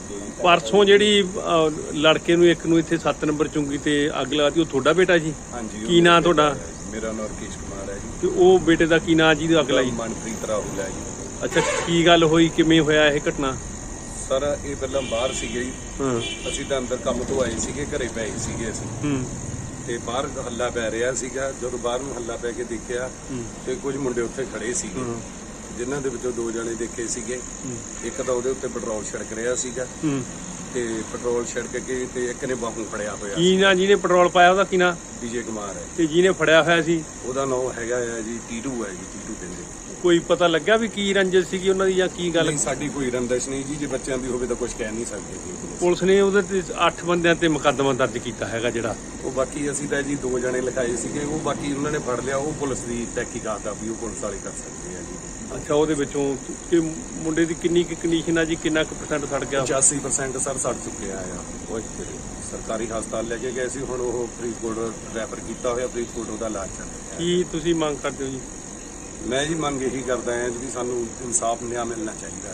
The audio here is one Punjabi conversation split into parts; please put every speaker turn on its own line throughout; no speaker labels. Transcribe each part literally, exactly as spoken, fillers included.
परसों ਜਿਹੜੀ ਲੜਕੇ ਨੂੰ ਇੱਕ ਨੂੰ ਇੱਥੇ ਸੱਤ ਨੰਬਰ ਚੁੰਗੀ ਤੇ ਅੱਗ ਲਾਤੀ, ਉਹ ਤੁਹਾਡਾ ਬੇਟਾ ਜੀ?
ਹਾਂਜੀ।
ਕੀ ਨਾਂ ਤੁਹਾਡਾ?
ਮੇਰਾ ਨਾਮ ਰਕੇਸ਼ ਕੁਮਾਰ ਹੈ ਜੀ।
ਤੇ ਉਹ ਬੇਟੇ ਦਾ ਕੀ ਨਾਂ ਜਿਹਦੀ ਅੱਗ ਲਾਈ?
ਮਨਪ੍ਰੀਤ ਰਾਹੁਲ ਹੈ ਜੀ।
ਅੱਛਾ, ਕੀ ਗੱਲ ਹੋਈ, ਕਿਵੇਂ ਹੋਇਆ ਇਹ ਘਟਨਾ?
ਸਰ ਇਹ ਪਹਿਲਾਂ ਬਾਹਰ ਸੀਗੇ ਜੀ।
ਹਾਂ।
ਅਸੀਂ ਤਾਂ ਅੰਦਰ ਕੰਮ ਤੋਂ ਆਏ ਸੀਗੇ, ਘਰੇ ਪਏ ਸੀਗੇ ਅਸੀਂ।
ਹੂੰ। ਤੇ
ਬਾਹਰ ਹੱਲਾ ਪੈ ਰਿਹਾ ਸੀਗਾ। ਜਦੋਂ ਬਾਹਰ ਨੂੰ ਹੱਲਾ ਪੈ ਕੇ ਦੇਖਿਆ ਤੇ ਕੁਝ ਮੁੰਡੇ ਉੱਥੇ ਖੜੇ ਸੀਗੇ, ਜਿਨ੍ਹਾਂ ਦੇ ਵਿੱਚੋਂ ਦੋ ਜਣੇ ਦੇਖੇ ਸੀਗੇ। ਇੱਕ ਤਾਂ ਉਹਦੇ ਉੱਤੇ ਪੈਟਰੋਲ ਛਿੜਕ ਰਿਹਾ ਸੀਗਾ ਤੇ ਪੈਟਰੋਲ ਛਿੜਕ ਕੇ ਤੇ ਇੱਕ ਨੇ ਬਾਹੂ ਫੜਿਆ ਹੋਇਆ।
ਕੀ ਨਾਂ ਜਿਹਨੇ ਪੈਟਰੋਲ ਪਾਇਆ, ਉਹਦਾ ਕੀ ਨਾਂ?
ਵਿਜੇ ਕੁਮਾਰ ਹੈ।
ਤੇ ਜਿਹਨੇ ਫੜਿਆ ਹੋਇਆ ਸੀ
ਉਹਦਾ ਨਾਮ ਹੈਗਾ ਹੈ ਜੀ ਟੀਟੂ ਹੈ ਜੀ। ਟੀਟੂ ਕਹਿੰਦੇ।
ਕੋਈ ਪਤਾ ਲੱਗਾ ਵੀ ਕੀ ਰੰਜਿਸ਼ ਸੀਗੀ ਉਹਨਾਂ ਦੀ ਜਾਂ ਕੀ ਗੱਲ?
ਸਾਡੀ ਕੋਈ ਰੰਜਿਸ਼ ਨਹੀਂ ਜੀ। ਜੇ ਬੱਚਿਆਂ ਦੀ ਹੋਵੇ ਤਾਂ ਕੁਝ ਕਹਿ ਨਹੀਂ ਸਕਦੇ ਜੀ।
ਪੁਲਿਸ ਨੇ ਉਹਦੇ ਤੇ ਅੱਠ ਬੰਦਿਆਂ ਤੇ ਮੁਕੱਦਮਾ ਦਰਜ ਕੀਤਾ ਹੈਗਾ ਜਿਹੜਾ।
ਉਹ ਬਾਕੀ ਅਸੀਂ ਤਾਂ ਜੀ ਦੋ ਜਣੇ ਲਿਖਾਏ ਸੀਗੇ, ਉਹ ਬਾਕੀ ਉਹਨਾਂ ਨੇ ਫੜ ਲਿਆ। ਉਹ ਪੁਲਿਸ ਦੀ ਤਹਿਕੀਕਾਤ ਆ ਵੀ ਉਹ ਪੁਲਿਸ ਵਾਲੇ ਕਰ ਸਕਦੇ ਆ ਜੀ।
ਅੱਛਾ, ਉਹਦੇ ਵਿੱਚੋਂ ਕਿ ਮੁੰਡੇ ਦੀ ਕਿੰਨੀ ਕੁ ਕੰਡੀਸ਼ਨ ਆ ਜੀ, ਕਿੰਨਾ ਕੁ ਪਰਸੈਂਟ ਸੜ ਗਿਆ?
ਪਚਾਸੀ ਪਰਸੈਂਟ ਸਰ ਸੜ ਚੁੱਕਿਆ ਆ। ਉਹ ਸਰਕਾਰੀ ਹਸਪਤਾਲ ਲੈ ਕੇ ਗਏ ਸੀ, ਹੁਣ ਉਹ ਫਰੀਦਕੋਟ ਰੈਫਰ ਕੀਤਾ ਹੋਇਆ। ਫਰੀਦਕੋਟ ਉਹਦਾ ਇਲਾਜ ਚੱਲ ਰਿਹਾ।
ਕੀ ਤੁਸੀਂ ਮੰਗ ਕਰਦੇ ਹੋ ਜੀ?
ਮੈਂ ਜੀ ਮੰਗ ਇਹੀ ਕਰਦਾ ਹਾਂ ਜੀ, ਸਾਨੂੰ ਇਨਸਾਫ ਨਿਆਂ ਮਿਲਣਾ ਚਾਹੀਦਾ ਹੈ।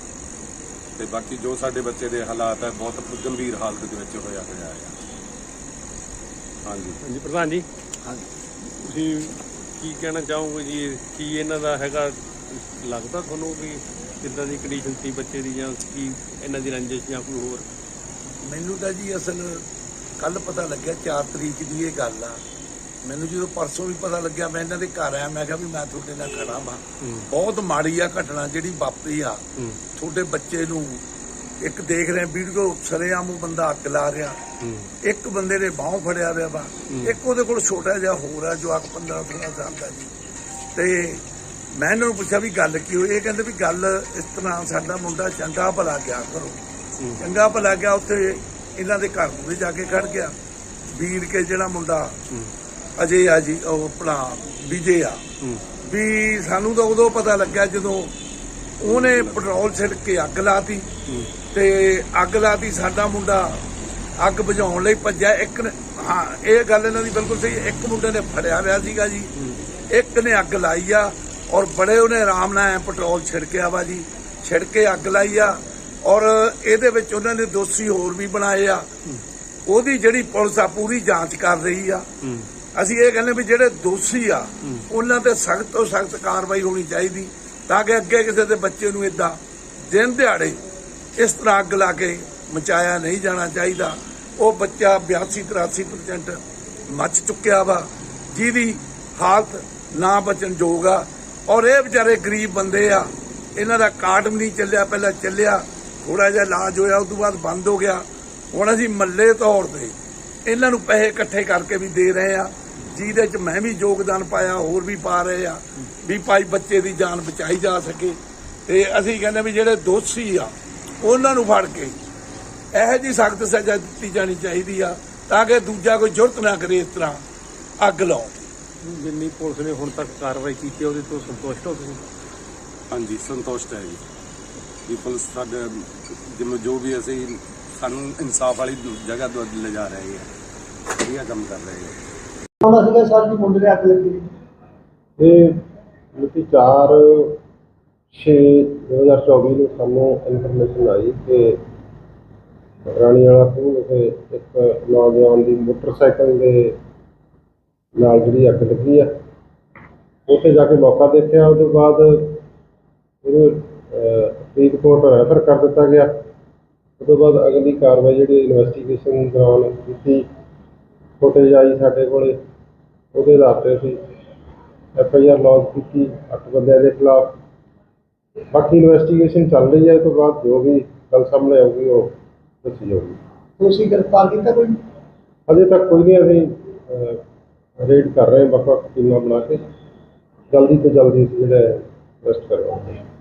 ਤੇ ਬਾਕੀ ਜੋ ਸਾਡੇ ਬੱਚੇ ਦੇ ਹਾਲਾਤ ਹੈ, ਬਹੁਤ ਗੰਭੀਰ ਹਾਲਤ ਦੇ ਵਿੱਚ ਹੋਇਆ ਹੋਇਆ ਹੈ। ਹਾਂਜੀ
ਹਾਂਜੀ ਪ੍ਰਧਾਨ ਜੀ।
ਹਾਂਜੀ,
ਤੁਸੀਂ ਕੀ ਕਹਿਣਾ ਚਾਹੋਗੇ ਜੀ? ਕੀ ਇਹਨਾਂ ਦਾ ਹੈਗਾ, ਲੱਗਦਾ ਤੁਹਾਨੂੰ ਵੀ ਕਿੱਦਾਂ ਦੀ ਕੰਡੀਸ਼ਨ ਸੀ ਬੱਚੇ ਦੀ, ਜਾਂ ਕੀ ਇਹਨਾਂ ਦੀ ਰੰਜਿਸ਼ ਜਾਂ ਕੋਈ ਹੋਰ?
ਮੈਨੂੰ ਤਾਂ ਜੀ ਅਸਲ ਕੱਲ ਪਤਾ ਲੱਗਿਆ, ਚਾਰ ਤਰੀਕ ਦੀ ਇਹ ਗੱਲ ਆ। ਮੈਨੂੰ ਜਦੋਂ ਪਰਸੋਂ ਵੀ ਪਤਾ ਲੱਗਿਆ, ਮੈਂ ਇਹਨਾਂ ਦੇ ਘਰ ਆਇਆ। ਮੈਂ ਕਿਹਾ ਵੀ ਮੈਂ ਤੁਹਾਡੇ ਨਾਲ ਖੜਾ ਵਾਂ। ਬਹੁਤ ਮਾੜੀ ਆ ਘਟਨਾ ਜਿਹੜੀ ਵਾਪਰੀ ਆ। ਤੁਹਾਡੇ ਬੱਚੇ ਨੂੰ ਇੱਕ ਦੇਖ ਰਹੇ ਵੀਡੀਓ, ਸਰੇਆਮ ਉਹ ਬੰਦਾ ਅੱਗ ਲਾ ਰਿਹਾ। ਇੱਕ ਬੰਦੇ ਨੇ ਬਾਹੋਂ ਫੜਿਆ ਹੋਇਆ ਵਾ, ਇੱਕ ਉਹਦੇ ਕੋਲ ਛੋਟਾ ਜਿਹਾ ਹੋਰ ਆ ਜੋ ਅੱਗ ਪੰਦਰਾਂ ਸੋਲਾਂ ਸਾਲ ਦਾ ਜੀ। ਤੇ ਮੈਂ ਇਹਨਾਂ ਨੂੰ ਪੁੱਛਿਆ ਵੀ ਗੱਲ ਕੀ ਹੋਈ? ਇਹ ਕਹਿੰਦੇ ਵੀ ਗੱਲ ਇਸ ਤਰ੍ਹਾਂ, ਸਾਡਾ ਮੁੰਡਾ ਚੰਗਾ ਭਲਾ ਗਿਆ ਕਰੋ, ਚੰਗਾ ਭਲਾ ਗਿਆ। ਉੱਥੇ ਇਹਨਾਂ ਦੇ ਘਰ ਨੂੰ ਵੀ ਜਾ ਕੇ ਖੜ ਗਿਆ। ਵੀਰ ਕੇ ਜਿਹੜਾ ਮੁੰਡਾ ਅਜੇ ਆ ਜੀ, ਉਹ ਆਪਣਾ ਵਿਜੇ ਆ, ਵੀ ਸਾਨੂੰ ਤਾਂ ਉਦੋਂ ਪਤਾ ਲੱਗਿਆ ਜਦੋਂ ਉਹਨੇ ਪੈਟਰੋਲ ਛਿੜਕ ਕੇ ਅੱਗ ਲਾਤੀ। ਤੇ ਅੱਗ ਲਾਤੀ, ਸਾਡਾ ਮੁੰਡਾ ਅੱਗ ਬੁਝਾਉਣ ਲਈ ਭੱਜਿਆ। ਇੱਕ ਨੇ, ਹਾਂ ਇਹ ਗੱਲ ਇਹਨਾਂ ਦੀ ਬਿਲਕੁਲ ਸਹੀ, ਇੱਕ ਮੁੰਡੇ ਨੇ ਫੜਿਆ ਹੋਇਆ ਸੀਗਾ ਜੀ, ਇੱਕ ਨੇ ਅੱਗ ਲਾਈ ਆ। ਔਰ ਬੜੇ ਉਹਨੇ ਆਰਾਮ ਨਾਲ ਪੈਟਰੋਲ ਛਿੜਕਿਆ ਵਾ ਜੀ, ਛਿੜਕੇ ਅੱਗ ਲਾਈ ਆ। ਔਰ ਇਹਦੇ ਵਿੱਚ ਉਹਨਾਂ ਨੇ ਦੋਸ਼ੀ ਹੋਰ ਵੀ ਬਣਾਏ ਆ। ਉਹਦੀ ਜਿਹੜੀ ਪੁਲਿਸ ਆ ਪੂਰੀ ਜਾਂਚ ਕਰ ਰਹੀ ਆ। ਅਸੀਂ ਇਹ ਕਹਿੰਦੇ ਵੀ ਜਿਹੜੇ ਦੋਸ਼ੀ ਆ ਉਹਨਾਂ ਤੇ ਸਖਤ ਤੋਂ ਸਖਤ ਕਾਰਵਾਈ ਹੋਣੀ ਚਾਹੀਦੀ, ਤਾਂ ਕਿ ਅੱਗੇ ਕਿਸੇ ਦੇ ਬੱਚੇ ਨੂੰ ਏਦਾਂ ਦਿਨ ਦਿਹਾੜੇ ਇਸ ਤਰ੍ਹਾਂ ਅੱਗ ਲਾ ਕੇ ਮਚਾਇਆ ਨਹੀਂ ਜਾਣਾ ਚਾਹੀਦਾ। ਉਹ ਬੱਚਾ ਬਿਆਸੀ ਤਰਾਸੀ ਪਰਸੈਂਟ ਮੱਚ ਚੁੱਕਿਆ ਵਾ, ਜਿਹਦੀ ਹਾਲਤ ਨਾ ਬਚਣ ਯੋਗ ਆ। ਔਰ ਇਹ ਵਿਚਾਰੇ ਗਰੀਬ ਬੰਦੇ ਆ, ਇਹਨਾਂ ਦਾ ਕਾਰਡ ਵੀ ਨਹੀਂ ਚੱਲਿਆ। ਪਹਿਲਾਂ ਚੱਲਿਆ, ਥੋੜਾ ਜਿਹਾ ਇਲਾਜ ਹੋਇਆ, ਉਸ ਤੋਂ ਬਾਅਦ ਬੰਦ ਹੋ ਗਿਆ। ਹੁਣ ਅਸੀਂ ਮੱਲੇ ਤੌਰ ਤੇ ਇਹਨਾਂ ਨੂੰ ਪੈਸੇ ਇਕੱਠੇ ਕਰਕੇ ਵੀ ਦੇ ਰਹੇ ਆ, ਜਿਹਦੇ ਚ ਮੈਂ ਵੀ ਯੋਗਦਾਨ ਪਾਇਆ, ਹੋਰ ਵੀ ਪਾ ਰਹੇ ਆ, ਵੀ ਭਾਈ ਬੱਚੇ ਦੀ ਜਾਨ ਬਚਾਈ ਜਾ ਸਕੇ। ਤੇ ਅਸੀਂ ਕਹਿੰਦੇ ਵੀ ਜਿਹੜੇ ਦੋਸ਼ੀ ਆ ਉਹਨਾਂ ਨੂੰ ਫੜ ਕੇ ਇਹੋ ਜਿਹੀ ਸਖਤ ਸਜ਼ਾ ਦਿੱਤੀ ਜਾਣੀ ਚਾਹੀਦੀ ਆ, ਤਾਂ ਕਿ ਦੂਜਾ ਕੋਈ ਜੁਰਤ ਨਾ ਕਰੇ ਇਸ ਤਰ੍ਹਾਂ ਅੱਗ ਲਾਉਣ।
ਜਿੰਨੀ ਪੁਲਿਸ ਨੇ ਹੁਣ ਤੱਕ ਕਾਰਵਾਈ ਕੀਤੀ, ਉਹਦੇ ਤੋਂ ਸੰਤੁਸ਼ਟ ਹੋ ਤੁਸੀਂ?
ਹਾਂਜੀ, ਸੰਤੁਸ਼ਟ ਹੈ ਜੀ। ਵੀ ਪੁਲਿਸ ਸਾਡੇ ਜਿਵੇਂ ਜੋ ਵੀ ਅਸੀਂ ਸਾਨੂੰ ਇਨਸਾਫ ਵਾਲੀ ਜਗ੍ਹਾ ਤੋਂ ਲਿਜਾ ਰਹੇ ਆ, ਵਧੀਆ ਕੰਮ ਕਰ ਰਹੇ ਆ।
ਹੁਣ ਸੀਗਾ ਸਰ ਜੀ ਮੁੰਡੇ ਦੇ ਅੱਗ ਲੱਗੀ।
ਇਹ ਮਿਤੀ ਚਾਰ ਛੇ ਦੋ ਹਜ਼ਾਰ ਚੌਵੀ ਨੂੰ ਸਾਨੂੰ ਇਨਫੋਰਮੇਸ਼ਨ ਆਈ ਕਿ ਰਾਣੀ ਵਾਲਾ ਖੂਹ ਵਿਖੇ ਇੱਕ ਨੌਜਵਾਨ ਦੀ ਮੋਟਰਸਾਈਕਲ ਦੇ ਨਾਲ ਜਿਹੜੀ ਅੱਗ ਲੱਗੀ ਆ। ਉੱਥੇ ਜਾ ਕੇ ਮੌਕਾ ਦੇਖਿਆ, ਉਹਦੇ ਬਾਅਦ ਇਹਨੂੰ ਫਰੀਦਕੋਟ ਰੈਫਰ ਕਰ ਦਿੱਤਾ ਗਿਆ। ਉਸ ਤੋਂ ਬਾਅਦ ਅਗਲੀ ਕਾਰਵਾਈ ਜਿਹੜੀ ਇਨਵੈਸਟੀਗੇਸ਼ਨ ਦੌਰਾਨ ਕੀਤੀ, ਫੁਟੇਜ ਆਈ ਸਾਡੇ ਕੋਲ, ਉਹਦੇ ਆਧਾਰ 'ਤੇ ਅਸੀਂ ਐਫ ਆਈ ਆਰ ਲੌਂਚ ਕੀਤੀ ਅੱਠ ਬੰਦਿਆਂ ਦੇ ਖਿਲਾਫ। ਬਾਕੀ ਇਨਵੈਸਟੀਗੇਸ਼ਨ ਚੱਲ ਰਹੀ ਹੈ, ਇਸ ਤੋਂ ਬਾਅਦ ਜੋ ਵੀ ਗੱਲ ਸਾਹਮਣੇ ਆਊਗੀ ਉਹ ਦੱਸੀ ਜਾਊਗੀ।
ਤੁਸੀਂ ਗ੍ਰਿਫਤਾਰ ਕੀਤਾ ਕੋਈ?
ਅਜੇ ਤੱਕ ਕੋਈ ਨਹੀਂ। ਅਸੀਂ ਰੇਡ ਕਰ ਰਹੇ ਹਾਂ ਵੱਖ ਵੱਖ ਟੀਮਾਂ ਬਣਾ ਕੇ, ਜਲਦੀ ਤੋਂ ਜਲਦੀ ਅਸੀਂ ਜਿਹੜਾ ਅਰੈਸਟ ਕਰਵਾਵਾਂਗੇ।